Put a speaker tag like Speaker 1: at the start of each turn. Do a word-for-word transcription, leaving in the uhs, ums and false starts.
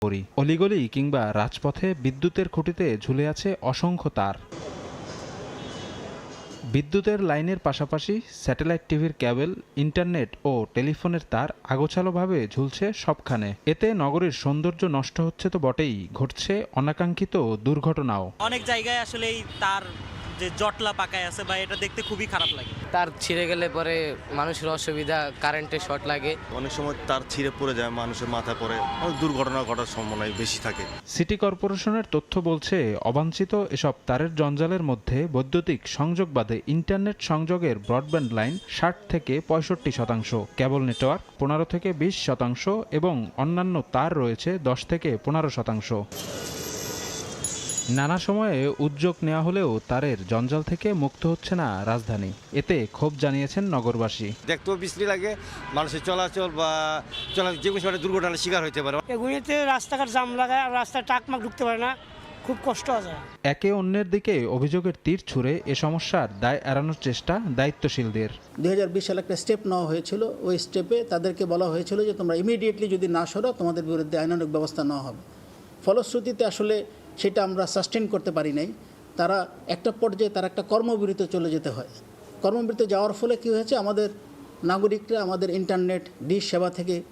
Speaker 1: করি। অলিগলি কিংবা রাজপথে বিদ্যুতের খুঁটিতে ঝুলে আছে অসংখ্য তার। বিদ্যুতের লাইনের পাশাপাশি স্যাটেলাইট টিভির কেবল, ইন্টারনেট ও টেলিফোনের তার আগোছালোভাবে ঝুলছে সবখানে। এতে নগরীর সৌন্দর্য নষ্ট হচ্ছে তো বটেই, ঘটছে অনাকাঙ্ক্ষিত দুর্ঘটনাও।
Speaker 2: অনেক জায়গায় আসলে এই তার যে জটলা পাকায় আছে বা এটা দেখতে খুবই খারাপ লাগে।
Speaker 3: তার ছিঁড়ে গেলে পরে মানুষের অসুবিধা, কারেন্টে শর্ট লাগে।
Speaker 4: অনেক সময় তার ছিঁড়ে পড়ে যায়, মানুষের মাথায় পড়ে, অনেক দুর্ঘটনা ঘটার সম্ভাবনা বেশি থাকে।
Speaker 1: সিটি কর্পোরেশনের তথ্য বলছে, অবাঞ্ছিত এসব তারের জঞ্জালের মধ্যে বৈদ্যুতিক সংযোগ বাদে ইন্টারনেট সংযোগের ব্রডব্যান্ড লাইন ষাট থেকে পঁয়ষট্টি শতাংশ, কেবল নেটওয়ার্ক পনেরো থেকে বিশ শতাংশ এবং অন্যান্য তার রয়েছে দশ থেকে পনেরো শতাংশ। নানা সময়ে উদ্যোগ নেওয়া হলেও তারের জঞ্জাল থেকে মুক্ত হচ্ছে না রাজধানী। এতে ক্ষোভ জানিয়েছেন নগরবাসী।
Speaker 5: দেখতেও বিশ্রী লাগে, মানুষের চলাচল বা চলা যে কোনো সময় দুর্ঘটনার শিকার হতে পারে।
Speaker 6: এগুলিতে রাস্তাঘাট জাম লাগায় আর রাস্তায় টাকমাক ঢুকতে পারে না, খুব কষ্ট আছে।
Speaker 1: একে অন্যের দিকে অভিযোগের তীর ছুঁড়ে এ সমস্যার দায় এড়ানোর চেষ্টা দায়িত্বশীলদের।
Speaker 7: দুই হাজার বিশ সালে একটা স্টেপ নেওয়া হয়েছিল। ওই স্টেপে তাদেরকে বলা হয়েছিল যে তোমরা ইমিডিয়েটলি যদি না সরো তোমাদের বিরুদ্ধে আইনানুগ ব্যবস্থা নেওয়া হবে। ফলশ্রুতিতে আসলে সেটা আমরা সাস্টেন করতে পারি নাই। তারা একটা পর্যায়ে তারা একটা কর্মবিরতিতে চলে যেতে হয়। কর্মবিরতিতে যাওয়ার ফলে কী হয়েছে, আমাদের নাগরিকরা আমাদের ইন্টারনেট ডিশ সেবা থেকে